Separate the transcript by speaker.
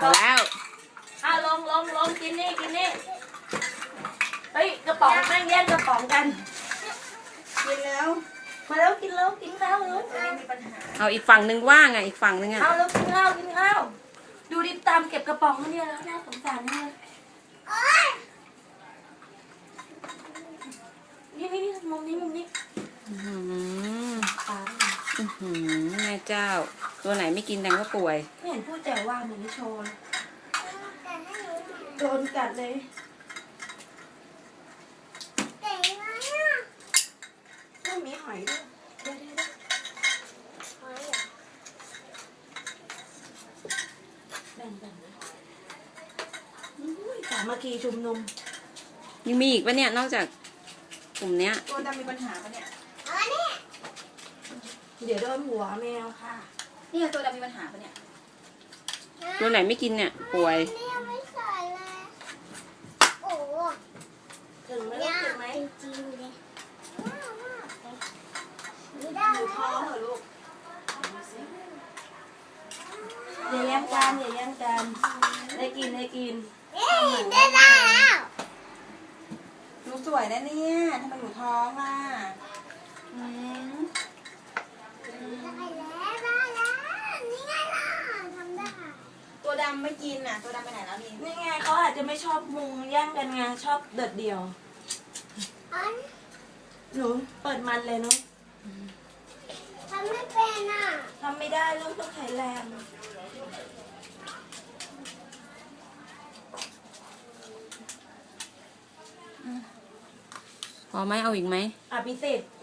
Speaker 1: แล้ว
Speaker 2: ลงกินนี่เฮ้ยกระป๋องแม่งแย่งกระป๋องกันกินแล้วมาแล้วกินแล้วมีปัญหา
Speaker 1: เอาอีกฝั่งหนึ่งว่างอ่ะอีกฝั่งหนึ่งอ่ะ
Speaker 2: เอาแล้วกินข้าวดูดิตามเก็บกระป๋องเขาเนี่ยแล้วน่าสงสารมากนี่มุมนี้
Speaker 1: แม่เจ้าตัวไหนไม่กินแดงก็ป่วย
Speaker 2: ไม่เห็นพูดแต่ว่าเหมือนโชว์โดนกัดเลยไม่มีหอยด้วยแบ่งสามัคคีชุมนุม
Speaker 1: ยังมีอีกปะเนี่ยนอกจากกลุ่มเนี้ย
Speaker 2: ตัวดำมีปัญหาปะเนี่ยเดี๋ยวโดนหัวแมวค่ะนี่ตัวดำมีปัญหาปะเนี่ย
Speaker 1: ตัวไหนไม่กินเนี่ยป่วย
Speaker 3: ไม่ใส่เลยโอ้
Speaker 2: ถึงไหม
Speaker 3: จริงเลย
Speaker 2: อยู่ท้องเหรอลูกอย่าแย่งกันได้กิน
Speaker 3: ได้แล้ว
Speaker 2: หนูสวยนะเนี่ยทำไมหนูท้องอ่ะ
Speaker 3: ได้แล้วนี่ไงล่ะทำได้
Speaker 2: ตัวดำไม่กินอ่ะตัวดำไปไหนแล้วนี่ไงเขาอาจจะไม่ชอบมุงแย่งกันไงชอบเด็ดเดี่ยวหนูเปิดมันเลยเนาะ
Speaker 3: ทำไม่เป็นอ่ะ
Speaker 2: ทำไม่ได้ลูกต้องใช้แรง
Speaker 1: พอไหมเอาอีกไหม
Speaker 2: พิเศษ